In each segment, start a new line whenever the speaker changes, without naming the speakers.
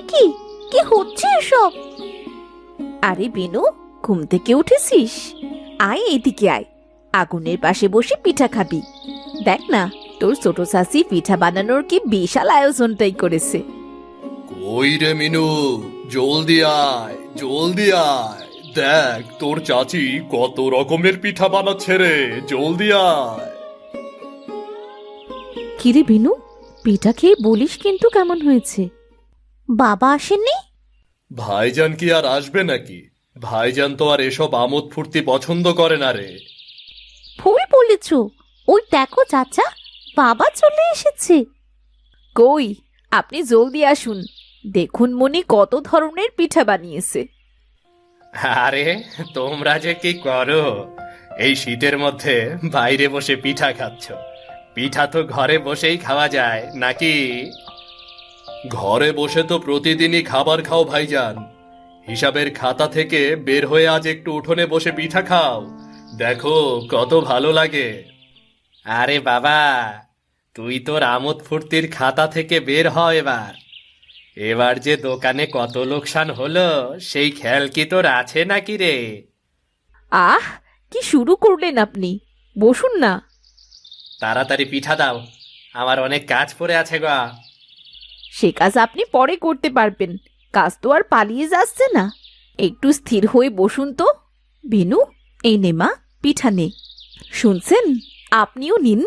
কি কি হচ্ছে এসব? আরে বেনু, ঘুম থেকে উঠেছিস? আয় এদিকে আয়, আগুনের পাশে বসে পিঠা খাবি। দেখ না, তোর ছোট শাশি পিঠা বানানোর কি বিশাল আয়োজনটাই করেছে।
কই রে মিনু, জলদি আয় জলদি আয়, দেখ তোর চাচি কত রকমের পিঠা বানাচ্ছে রে, জলদি আয়।
কিরে বিনু, পিঠা খেয়ে বলিস কিন্তু কেমন হয়েছে? বাবা আসেননি?
ভাইজান কি আর আসবে নাকি? ভাইজান তো আর এসব আমোদ ফুর্তি পছন্দ করে না রে।
ভুল বলেছ, ওই দেখো চাচা, বাবা চলে এসেছে। কই, আপনি জলদি আসুন, দেখুন মনি কত ধরনের পিঠা বানিয়েছে।
আরে তোমরা যে কি করো, এই শীতের মধ্যে বাইরে বসে পিঠা খাচ্ছ? পিঠা তো ঘরে বসেই খাওয়া যায় নাকি? ঘরে বসে তো প্রতিদিনই খাবার খাও ভাইজান, হিসাবের খাতা থেকে বের হয়ে আজ একটু উঠোনে বসে পিঠা খাও, দেখো কত ভালো লাগে। আরে বাবা, তুই তোর আমোদ ফুর্তির খাতা থেকে বের হ এবার। এবার যে দোকানে কত লোকসান হলো সেই খেয়াল কি তোর আছে নাকি রে?
আহ, কি শুরু করলেন আপনি, বসুন না।
তাড়াতাড়ি পিঠা দাও, আমার অনেক কাজ পড়ে আছে গা।
সে কাজ আপনি পরে করতে পারবেন, কাজ তো আর পালিয়ে যাচ্ছে না। একটু স্থির হয়ে বসুন তো। বেনু, এই নে মা, পিঠা নে। শুনছেন, আপনিও নিন।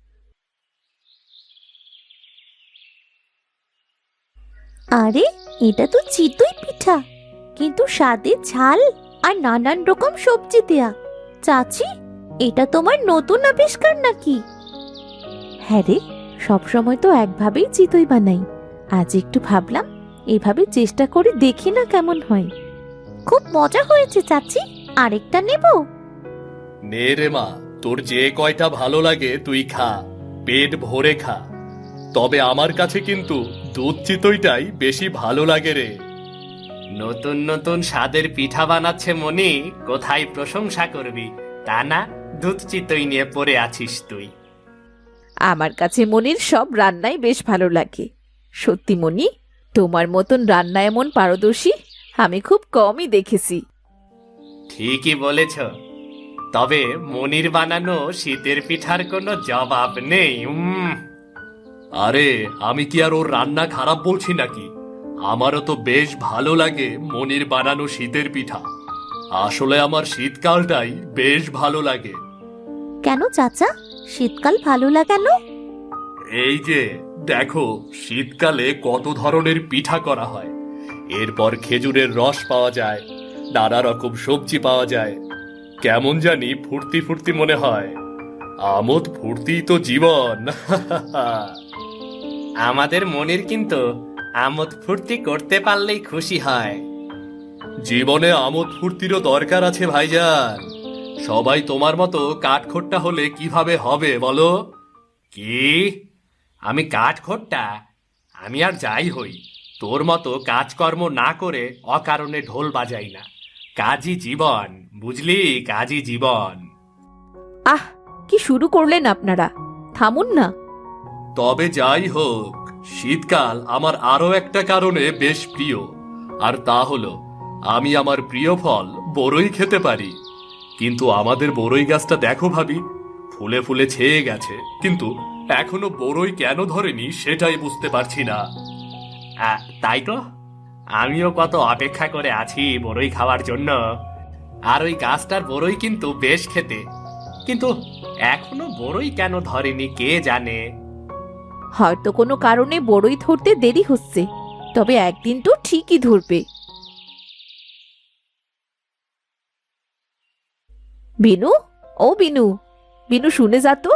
আরে, এটা তো চিতই পিঠা, কিন্তু স্বাদে ঝাল আর নানান রকম সবজি দেয়া। চাচি, এটা তোমার নতুন আবিষ্কার নাকি? হ্যাঁ রে, সবসময় তো একভাবেই চিতই বানাই, আজ একটু ভাবলাম এভাবে চেষ্টা করে দেখি না কেমন হয়। খুব মজা হয়েছে চাচি, আরেকটা নেব?
নে রে মা, তোর যে কয়টা ভালো লাগে তুই খা, পেট ভরে খা। তবে আমার কাছে কিন্তু দুধ চিতইটাই বেশি ভালো লাগে রে। নতুন নতুন স্বাদের পিঠা বানাচ্ছে মনি, কোথায় প্রশংসা করবি, তা না দুধ চিতই নিয়ে পড়ে আছিস তুই।
আমার কাছে মনির সব রান্নাই বেশ ভালো লাগে। সত্যি মনি, তোমার মতন রান্না এমন পারদর্শী আমি খুব কমই দেখেছি।
ঠিকই বলেছ, তবে মনির বানানো শীতের পিঠার কোনো জবাব নেই। আরে আমি কি আর ওর রান্না খারাপ বলছি নাকি? আমারও তো বেশ ভালো লাগে মনির বানানো শীতের পিঠা। আসলে আমার শীতকালটাই বেশ ভালো লাগে।
কেন চাচা, শীতকাল ভালো লাগানো?
এই যে দেখো, শীতকালে কত ধরনের পিঠা করা হয়, এরপর খেজুরের রস পাওয়া যায়, নানা রকম সবজি পাওয়া যায়, কেমন জানি ফুর্তি ফুর্তি মনে হয়। আমোদ ফুর্তি তো জীবন। আমাদের মনের কিন্তু আমোদ ফুর্তি করতে পারলেই খুশি হয়। জীবনে আমোদ ফুর্তিরও দরকার আছে ভাইজান। সবাই তোমার মতো কাঠখোট্টা হলে কিভাবে হবে বলো? কি, আমি কাঠখোট্টা? আমি আর যাই হই, তোর মতো কাজকর্ম না করে অকারণে ঢোল বাজাই না। কাজই জীবন, বুঝলি, কাজই জীবন।
আহ, কি শুরু করলেন আপনারা, থামুন না।
তবে যাই হোক, শীতকাল আমার আরো একটা কারণে বেশ প্রিয়, আর তা হলো আমি আমার প্রিয় ফল বড়ই খেতে পারি। কিন্তু আমাদের বড়ই গাছটা দেখো ভাবি, ফুলে ফুলে ছেয়ে গেছে, কিন্তু এখনো বড়ই কেন ধরেনি সেটাই বুঝতে পারছি না। তাই তো, আমিও কত অপেক্ষা করে আছি বড়ই খাওয়ার জন্য। আর ওই গাছটার বড়ই কিন্তু বেশ খেতে, কিন্তু এখনো বড়ই কেন ধরেনি কে জানে।
হয়তো কোনো কারণে বড়ই ধরতে দেরি হচ্ছে, তবে একদিন তো ঠিকই ধরবে। বিনু, ও বিনু, বিনু শুনে যা তো।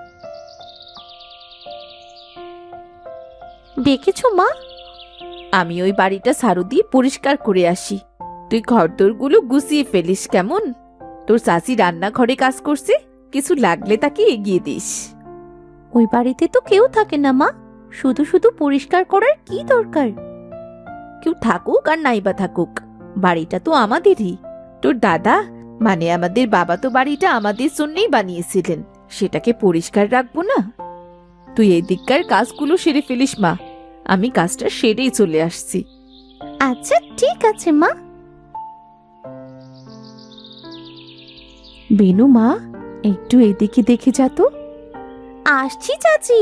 দেখেছো মা, আমি ওই বাড়িটা ঝাড়ু দিয়ে পরিষ্কার করে আসি, তুই ঘরদোরগুলো গুছিয়ে ফেলিস কেমন? তোর চাচি রান্নাঘরে কাজ করছে, কিছু লাগলে তাকে এগিয়ে দিস। ওই বাড়িতে তো কেউ থাকে না মা, শুধু শুধু পরিষ্কার করার কি দরকার? কেউ থাকুক আর নাইবা থাকুক, বাড়িটা তো আমাদেরই। তোর দাদা মানে আমাদের বাবা তো বাড়িটা আমাদের জন্যই বানিয়েছিলেন, সেটাকে পরিষ্কার রাখবো না? তুই এই দিককার কাজগুলো সেরে ফেলিস মা, আমি কাজটা সেরেই চলে আসছি।
আচ্ছা ঠিক আছে মা।
বেনু মা, একটু এদিকে দেখে যা তো।
আসছি চাচি।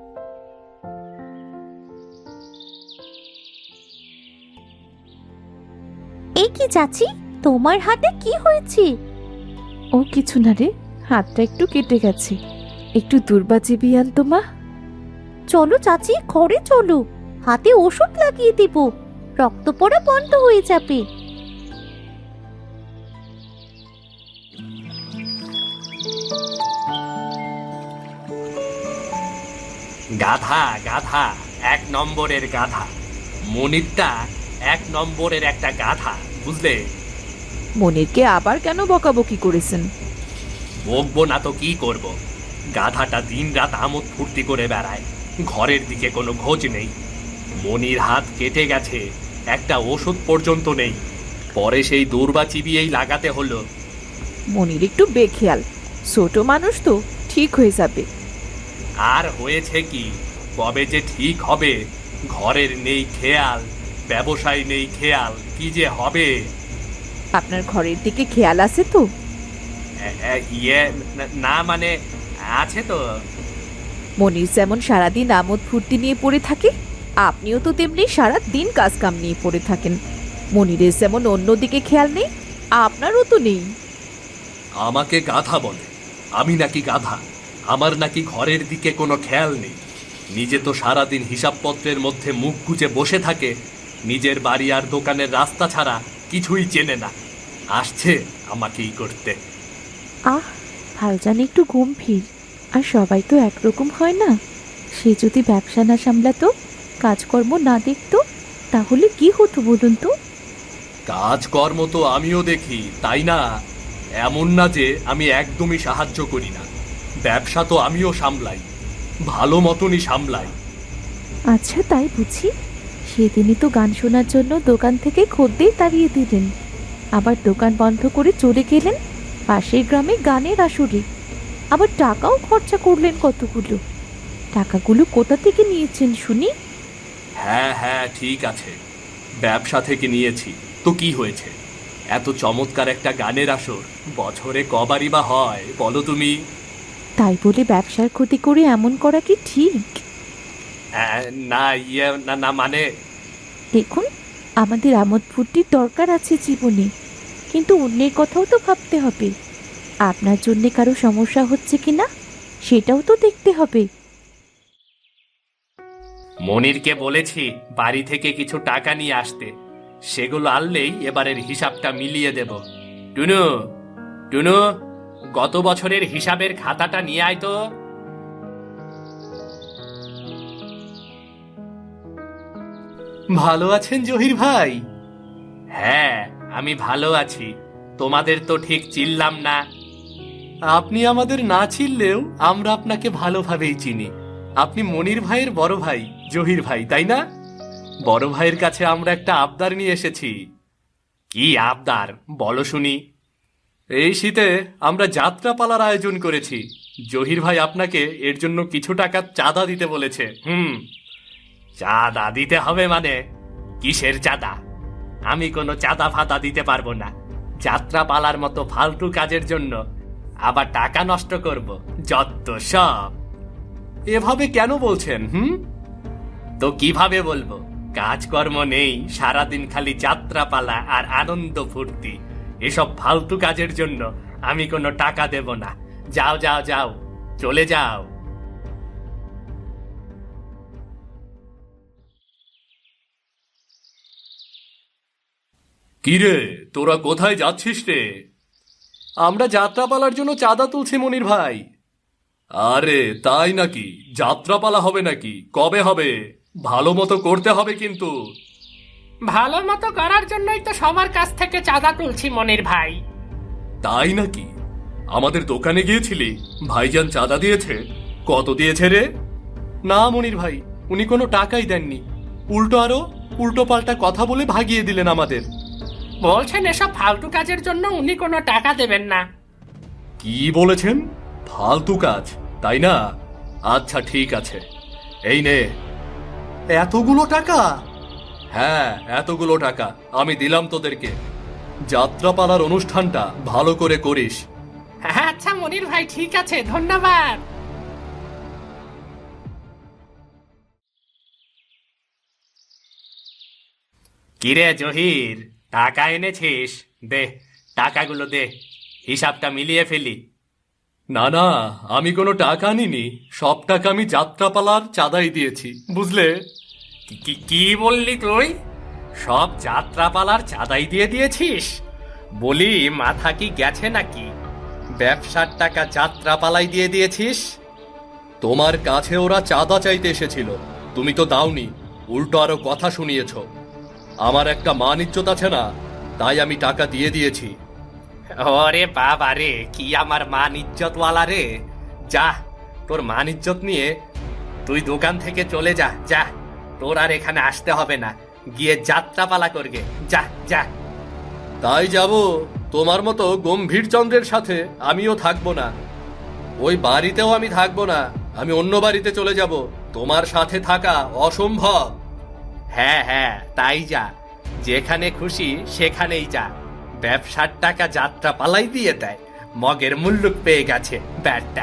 এই কি চাচি, তোমার হাতে কি হয়েছে?
ও কিছু না রে, হাতটা একটু কেটে গেছে। একটু দূর্বা চিবিয়ে আন তো মা।
চলো চাচি, ঘরে চলো, হাতে ওষুধ লাগিয়ে দেব, রক্ত পড়া বন্ধ হয়ে যাবে।
গাধা গাধা, 1 নম্বরের গাধা। মনিরটা 1 নম্বরের একটা গাধা, বুঝলে?
মনিরকে আবার কেন বকাবকি করেছেন?
বকবো না তো কি করব। গাধাটা দিনরাত আমোদ ফুর্তি করে বেড়ায়, ঘরের দিকে কোনো খোঁজ নেই। মনির হাত কেটে গেছে, একটা ওষুধ পর্যন্ত নেই। পরে সেই দৌড়বা চিবিয়েই লাগাতে হলো।
মনির একটু বেখেয়াল, ছোট মানুষ তো, ঠিক হয়ে যাবে।
আর হয়েছে কি, কবে যে ঠিক হবে? ঘরের নেই খেয়াল, ব্যবসায় নেই খেয়াল, কি যে হবে।
আপনার ঘরের দিকে খেয়াল আছে তো?
ইয়ে না মানে, আছে তো।
মনির যেমন সারাদিন আমোদ ফুর্তি নিয়ে পড়ে থাকে, আপনিও তো তেমনি সারা দিন কাজ কাম নিয়ে পড়ে থাকেন। মনিরের যেমন অন্যদিকে খেয়াল নেই, আপনারও তো নেই।
আমাকে গাধা বলে? আমি নাকি গাধা? আমার নাকি ঘরের দিকে কোনো খেয়াল নেই? নিজে তো সারাদিন হিসাবপত্রের মধ্যে মুখ গুজে বসে থাকে, নিজের বাড়ি আর দোকানের রাস্তা ছাড়া কিছুই চেনে না। আসছে আমাকেই করতে।
আহ, ভাইজান একটু গম্ভীর, আর সবাই তো একরকম হয় না। সে যদি ব্যবসা না সামলাতো, কাজকর্ম না দেখতো, তাহলে কি হতো বলুন তো?
কাজকর্ম তো আমিও দেখি, তাই না? এমন না যে আমি একদমই সাহায্য করি না। ব্যবসা তো আমিও সামলাই, ভালো মতনই সামলাই।
আচ্ছা তাই বুঝি। সেদিনই তো গান শোনার জন্য দোকান থেকে খদ্দের তাড়িয়ে দিলেন, আবার দোকান বন্ধ করে চলে গেলেন পাশের গ্রামে গানের আসরে। আবার টাকাও খরচা করলেন কতগুলো। টাকাগুলো কোথা থেকে নিয়েছেন শুনি?
হ্যাঁ হ্যাঁ ঠিক আছে, ব্যবসা থেকে নিয়েছি। তো কি হয়েছে? এত চমৎকার একটা গানের আসর বছরে কবারই বা হয় বলো তুমি?
তাই বলে ব্যবসার ক্ষতি করে এমন করা কি ঠিক?
না ইয়ে না না মানে।
দেখুন, আমাদের আমোদ ফুর্তির দরকার আছে জীবনে, কিন্তু অন্যের কথাও তো ভাবতে হবে। আপনার জন্যে কারো সমস্যা হচ্ছে কিনা সেটাও তো দেখতে হবে।
মনিরকে বলেছি বাড়ি থেকে কিছু টাকা নিয়ে আসতে, সেগুলো আনলেই এবারের হিসাবটা মিলিয়ে দেব। টুনু, টুনু, গত বছরের হিসাবের খাতাটা নিয়ে আয় তো। ভালো আছেন জহির ভাই? হ্যাঁ, আমি ভালো আছি। তোমাদের তো ঠিক চিনলাম না। আপনি আমাদের না চিনলেও আমরা আপনাকে ভালোভাবেই চিনি। আপনি মনির ভাইয়ের বড় ভাই জহির ভাই, তাই না? বড় ভাইয়ের কাছে আমরা একটা আবদার নিয়ে এসেছি। কি আবদার বলো শুনি? এই শীতে আমরা যাত্রাপালার আয়োজন করেছি। জহির ভাই আপনাকে এর জন্য কিছু টাকা চাঁদা দিতে বলেছে। চাঁদা দিতে হবে মানে? কিসের চাঁদা? আমি কোনো চাঁদা ফাতা দিতে পারবো না। যাত্রাপালার মতো ফালতু কাজের জন্য আবার টাকা নষ্ট করব, যত সব। এভাবে কেন বলছেন? তো কিভাবে বলবো? কাজকর্ম নেই, সারাদিন খালি যাত্রাপালা আর আনন্দ ফুর্তি। এসব ফালতু কাজের জন্য আমি কোনো টাকা দেব না। যাও যাও যাও, চলে যাও। কিরে, তোরা কোথায় যাচ্ছিস রে? আমরা যাত্রাপালার জন্য চাঁদা তুলছি মনির ভাই। আরে তাই নাকি? যাত্রাপালা হবে নাকি? কবে হবে? ভালো মতো করতে হবে কিন্তু।
ভালো মতো করার জন্যই তো সবার কাছ থেকে চাঁদা তুলছি মনির ভাই।
তাই নাকি? আমাদের দোকানে গিয়েছিলি? ভাইজান চাঁদা দিয়েছে? কত দিয়েছে রে? না মনির ভাই, উনি কোনো টাকাই দেননি। উল্টো আরো উল্টো পাল্টা কথা বলে ভাগিয়ে দিলেন আমাদের।
বলছেন এসব ফালতু কাজের জন্য উনি কোনো টাকা দেবেন না।
কি বলেছেন? ফালতু কাজ, তাই না? আচ্ছা ঠিক আছে, এই নে এতগুলো টাকা। হ্যাঁ, এতগুলো টাকা আমি দিলাম তোদেরকে। যাত্রাপালার অনুষ্ঠানটা ভালো করে করিস।
হ্যাঁ আচ্ছা মনির ভাই, ঠিক আছে, ধন্যবাদ।
কিরে জহির, টাকা এনেছিস? দে, টাকাগুলো দে, হিসাবটা মিলিয়ে ফেলি। না না, আমি কোনো টাকা নিনি, সব টাকা আমি যাত্রাপালার চাঁদাই দিয়েছি, বুঝলে? কি বললি তুই? সব যাত্রাপালার চাঁদাই দিয়ে দিয়েছিস? বলি, মাথা কি গেছে নাকি? ব্যবসার টাকা যাত্রাপালাই দিয়ে দিয়েছিস? তোমার কাছে ওরা চাঁদা চাইতে এসেছিল, তুমি তো দাওনি, উল্টো আরো কথা শুনিয়েছ। আমার একটা মান ইজ্জত আছে না, তাই আমি টাকা দিয়ে দিয়েছি। ওরে বাবা রে, কি আমার মান ইজ্জতওয়ালা রে! যা, তোর মান ইজ্জত নিয়ে তুই দোকান থেকে চলে যা, যা, তোর আর এখানে আসতে হবে না, গিয়ে যাত্রাপালা করগে, যা যা। তাই যাব, তোমার মতো গম্ভীর চন্দ্রের সাথে আমিও থাকবো না। ওই বাড়িতেও আমি থাকবো না, আমি অন্য বাড়িতে চলে যাব, তোমার সাথে থাকা অসম্ভব। হ্যাঁ হ্যাঁ, তাই যা, যেখানে খুশি সেখানেই যা। ব্যবসার টাকা যাত্রা পালাই দিয়ে দেয়, মগের মুল্লুক পেয়ে গেছে ব্যাটটা।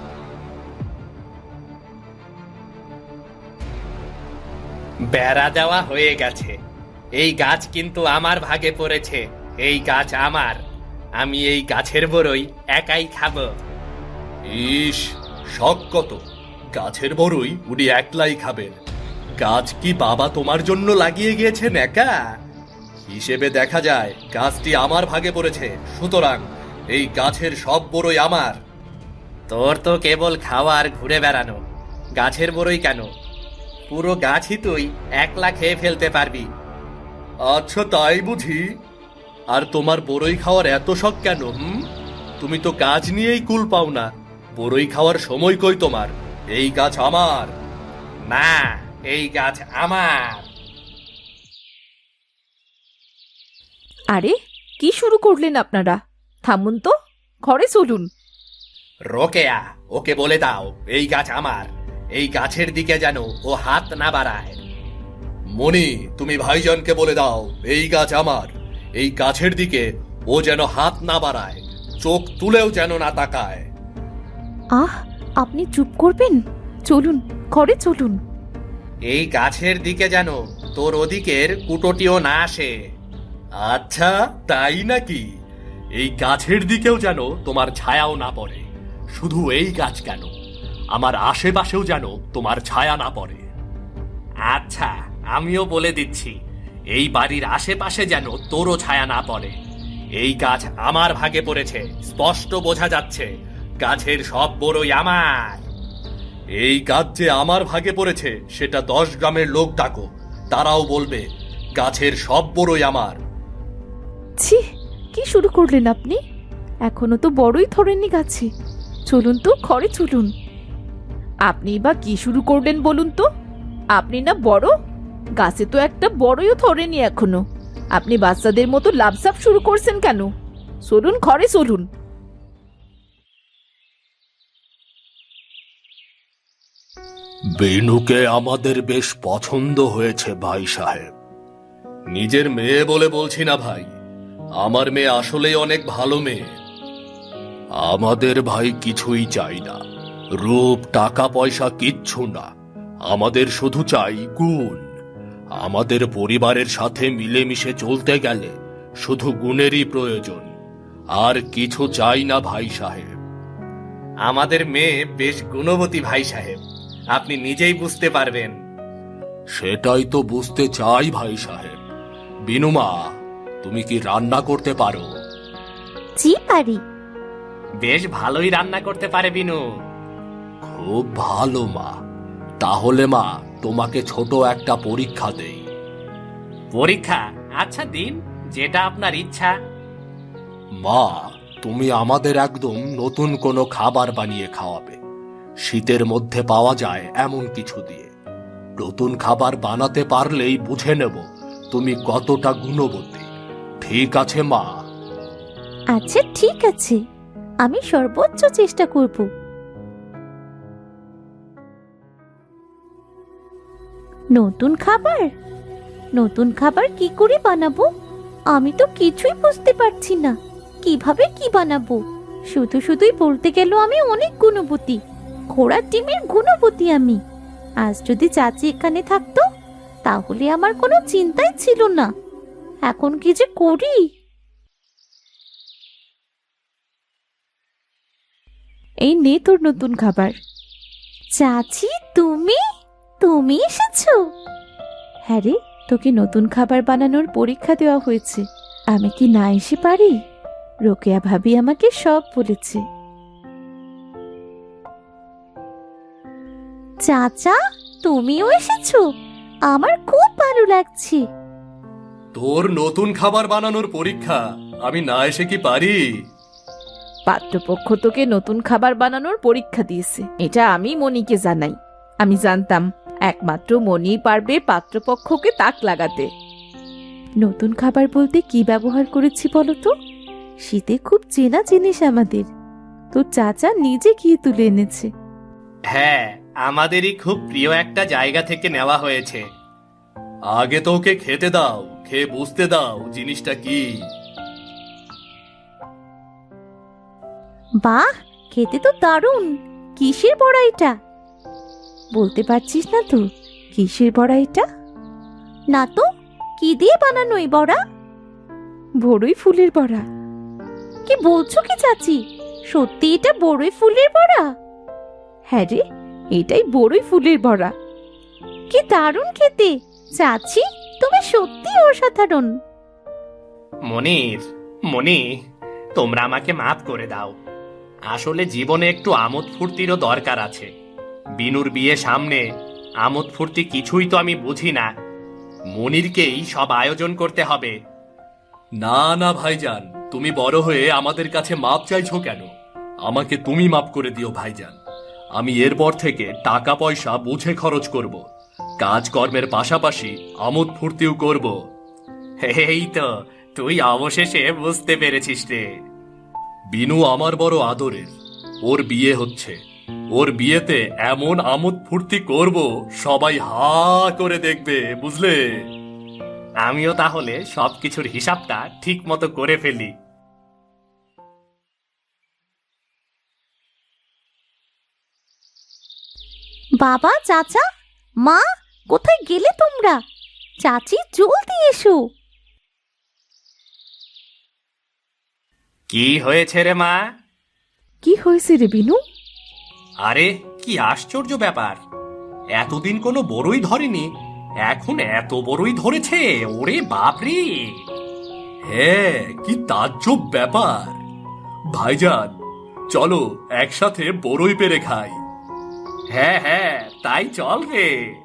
বেড়া দেওয়া হয়ে গেছে, এই গাছ কিন্তু আমার ভাগে পড়েছে, এই গাছ আমার, আমি এই গাছের বড়ই একাই খাবো। ইস, শখ কত! গাছের বড়ই উনি একলাই খাবেন। গাছ কি বাবা তোমার জন্য লাগিয়ে গিয়েছেন একা? হিসেবে দেখা যায় গাছটি আমার ভাগে পড়েছে, সুতরাং এই গাছের সব বড়ই আমার। তোর তো কেবল খাওয়া আর ঘুরে বেড়ানো, গাছের বড়ই কেন, পুরো গাছই তুই একলা খেয়ে ফেলতে পারবি। আচ্ছা তাই বুঝি? আর তোমার বড়ই খাওয়ার এত শখ কেন? তুমি তো কাজ নিয়েই কুল পাও না, বড়ই খাওয়ার সময় কই তোমার? এই গাছ আমার। না, এই গাছ আমার।
আরে, কি শুরু করলেন আপনারা? থামুন তো, ঘরে চলুন।
রোকেয়া, ওকে বলে দাও এই গাছ আমার, এই গাছের দিকে যেন ও হাত না বাড়ায়। মনি, তুমি ভাইজানকে বলে দাও এই গাছ আমার, এই গাছের দিকে ও যেন হাত না বাড়ায়, চোখ তুলেও যেন না তাকায়।
আহ, আপনি চুপ করবেন? চলুন, ঘরে চলুন।
এই গাছের দিকে যেন তোর ওদিকের কুটোটিও না আসে। আচ্ছা তাই নাকি? এই গাছের দিকেও যেন তোমার ছায়াও না পড়ে। শুধু এই গাছ কেন, আমার আশেপাশেও যেন তোমার ছায়া না পড়ে। আচ্ছা, আমিও বলে দিচ্ছি, এই বাড়ির আশেপাশে যেন তোরও ছায়া না পড়ে। এই গাছ আমার ভাগে পড়েছে, স্পষ্ট বোঝা যাচ্ছে, গাছের সব বড়ই আমার। এই গাছ যে আমার ভাগে পড়েছে সেটা 10 গ্রামের লোক ডাকো, তারাও বলবে গাছের সব বড়ই আমার।
ছি, কি শুরু করলেন আপনি? এখনো তো বড়ই ধরেননি গাছে। চলুন তো, ঘরে চলুন। আপনি বা কি শুরু করলেন বলুন তো? আপনি না বড়, গাছে তো একটা বড়ইও ধরেনি এখনো। আপনি বাচ্চাদের মতো লাফঝাপ শুরু করছেন কেন? চলুন, ঘরে চলুন।
বেনুকে আমাদের বেশ পছন্দ হয়েছে ভাই সাহেব। নিজের মেয়ে বলে বলছি না ভাই, আমার মেয়ে আসলেই অনেক ভালো মেয়ে। আমাদের ভাই কিছুই চাই না, রূপ টাকা পয়সা কিচ্ছু না, আমাদের শুধু চাই গুণ। আমাদের পরিবারের সাথে মিলেমিশে চলতে গেলে শুধু গুণেরই প্রয়োজন, আর কিছু চাই না ভাই সাহেব। আমাদের মেয়ে বেশ গুণবতী ভাই সাহেব, আপনি নিজেই বুঝতে পারবেন। সেটাই তো বুঝতে চাই ভাই সাহেব। বিনুমা, তুমি কি রান্না করতে পারো?
জি পারি।
বেশ ভালোই রান্না করতে পারে বিনু। খুব ভালো মা। তাহলে মা, তোমাকে ছোট একটা পরীক্ষা দেই। পরীক্ষা? আচ্ছা দিন, যেটা আপনার ইচ্ছা। মা, তুমি আমাদের একদম নতুন কোনো খাবার বানিয়ে খাওয়াবে, শীতের মধ্যে পাওয়া যায় এমন কিছু দিয়ে। নতুন খাবার বানাতে পারলেই বুঝে নেব তুমি কতটা গুণবতী। ঠিক আছে মা?
আচ্ছা ঠিক আছে, আমি সর্বোচ্চ চেষ্টা করব। নতুন খাবার? নতুন খাবার কি করে বানাবো? আমি তো কিছুই বুঝতে পারছি না। কিভাবে কি বানাবো? শুধুই বলতে গেল আমি অনেক গুণবতী, ঘোড়ার ডিমের গুণবতী আমি। আজ যদি চাচি এখানে থাকতো তাহলে আমার কোনো চিন্তাই ছিল না। এখন কি যে করি!
এই নে তোর নতুন খাবার।
চাচি, তুমি তুমি এসেছো?
হ্যাঁ রে, তোকে নতুন খাবার বানানোর পরীক্ষা দেওয়া হয়েছে। আমি কি না এসে পারি? রোকেয়া ভাবি আমাকে সব বলেছে।
চাচা, তুমিও এসেছো? আমার খুব ভালো লাগছে।
তোর নতুন খাবার বানানোর পরীক্ষা, আমি না এসে কি পারি?
পাত্রপক্ষ তোকে নতুন খাবার বানানোর পরীক্ষা দিয়েছে, এটা আমি মনিকে জানাই। আমি জানতাম একমাত্র মনিই পারবে পাত্রপক্ষকে তাক লাগাতে। নতুন খাবার বলতে কি ব্যবহার করেছি বলতো? শীতে খুব চেনা জিনিস আমাদের, তোর চাচা নিজে গিয়ে তুলে এনেছে।
হ্যাঁ, আমাদেরই খুব প্রিয় একটা জায়গা থেকে নেওয়া হয়েছে। আগে তো ওকে খেতে দাও, খেয়ে বুঝতে দাও জিনিসটা কি।
বাহ, খেতে তো দারুণ। কিসের বড়া এটা?
বলতে পারছিস না তো কিসের বড়া এটা?
না তো, কি দিয়ে বানানো এই বড়া?
বড়ই ফুলের বড়া।
কি বলছো কি চাচি? সত্যি এটা বড়ই ফুলের বড়া?
হ্যাঁ রে, এটাই বড়ই ফুলের বড়া।
কি দারুণ খেতে! চাচি, তুমি সত্যি অসাধারণ।
মনি, তোমরা আমাকে মাফ করে দাও। আসলে জীবনে একটু আমোদ ফুর্তিরও দরকার আছে। বিনুর বিয়ে সামনে, আমোদ ফুর্তি কিছুই তো আমি বুঝি না। মনিরকেই সব আয়োজন করতে হবে। না না ভাইজান, তুমি বড় হয়ে আমাদের কাছে মাপ চাইছো কেন? আমাকে তুমি মাপ করে দিও ভাইজান। আমি এরপর থেকে টাকা পয়সা বুঝে খরচ করব, কাজকর্মের পাশাপাশি আমোদ ফুর্তিও করব। এই তো, তুই অবশেষে বুঝতে পেরেছিস রে। বিনু আমার বড় আদরের, ওর বিয়ে হচ্ছে। ওর বিয়েতে এমন আমোদ ফুর্তি করব, সবাই হা করে দেখবে, বুঝলে? আমিও তাহলে সবকিছুর হিসাবটা ঠিক মতো করে ফেলি।
বাবা, চাচা, মা, কোথায় গেলে তোমরা? চাচি, জলদি এসো।
কি হয়েছে রে মা?
কি হয়েছে রে বিনু?
আরে কি আশ্চর্য ব্যাপার! এতদিন কোনো বড়ই ধরেনি, এখন এত বড়ই ধরেছে! ওরে বাপরে! হ্যাঁ, কি তাজ্জব ব্যাপার! ভাইজান, চলো একসাথে বড়ই পেরে খাই। হ্যাঁ হ্যাঁ, তাই চল রে।